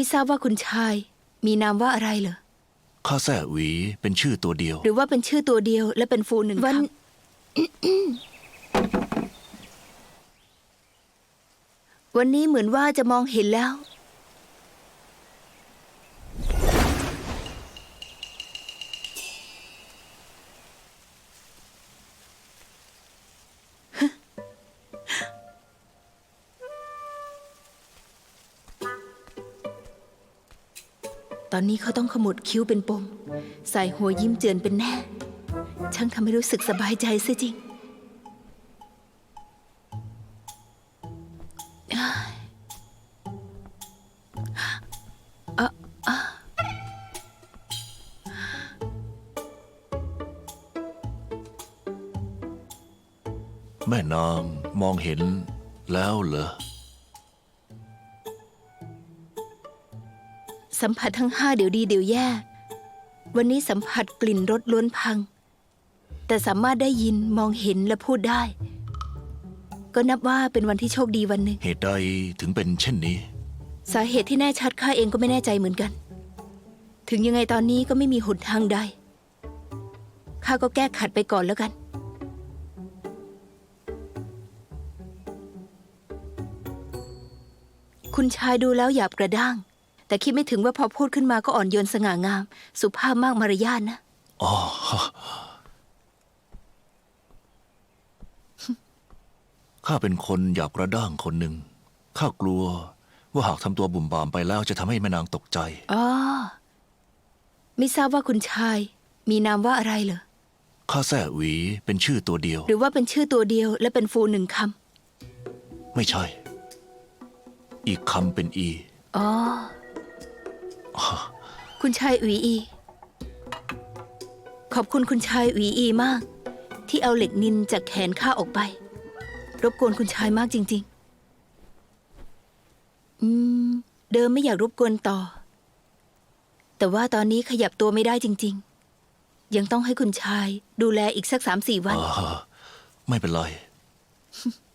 ทราบว่าคุณชายมีนามว่าอะไรเหรอข้าแซ่หวีเป็นชื่อตัวเดียวหรือว่าเป็นชื่อตัวเดียวและเป็นฟูหนึ่งวัน วันนี้เหมือนว่าจะมองเห็นแล้วตอนนี้เขาต้องขมวดคิ้วเป็นปมใส่หัวยิ้มเจือนเป็นแน่ช่างทำให้รู้สึกสบายใจซะจริงแม่นางมองเห็นแล้วเหรอสัมผัสทั้ง5เดี๋ยวดีเดี๋ยวแย่วันนี้สัมผัสกลิ่นรสล้วนพังแต่สามารถได้ยินมองเห็นและพูดได้ก็นับว่าเป็นวันที่โชคดีวันหนึ่งเหตุใดถึงเป็นเช่นนี้สาเหตุที่แน่ชัดข้าเองก็ไม่แน่ใจเหมือนกันถึงยังไงตอนนี้ก็ไม่มีหนทางใดข้าก็แก้ขัดไปก่อนแล้วกันคุณชายดูแล้วหยาบกระด้างแต่คิดไม่ถึงว่าพอพูดขึ้นมาก็อ่อนโยนสง่างามสุภาพมากมารยาทนะอ๋อข้าเป็นคนหยาบกระด้างคนหนึ่งข้ากลัวว่าหากทำตัวบุ่มบามไปแล้วจะทำให้แม่นางตกใจอ๋อไม่ทราบว่าคุณชายมีนามว่าอะไรเหรอข้าแซ่หวีเป็นชื่อตัวเดียวหรือว่าเป็นชื่อตัวเดียวและเป็นฟูหนึ่งคำไม่ใช่อีกคำเป็นอีอ๋อคุณชายอุ๋ยอีขอบคุณคุณชายอุ๋ยอีมากที่เอาเหล็กนินจากแขนข้าออกไปรบกวนคุณชายมากจริงๆเดิมไม่อยากรบกวนต่อแต่ว่าตอนนี้ขยับตัวไม่ได้จริงๆยังต้องให้คุณชายดูแลอีกสัก 3-4 วันไม่เป็นไร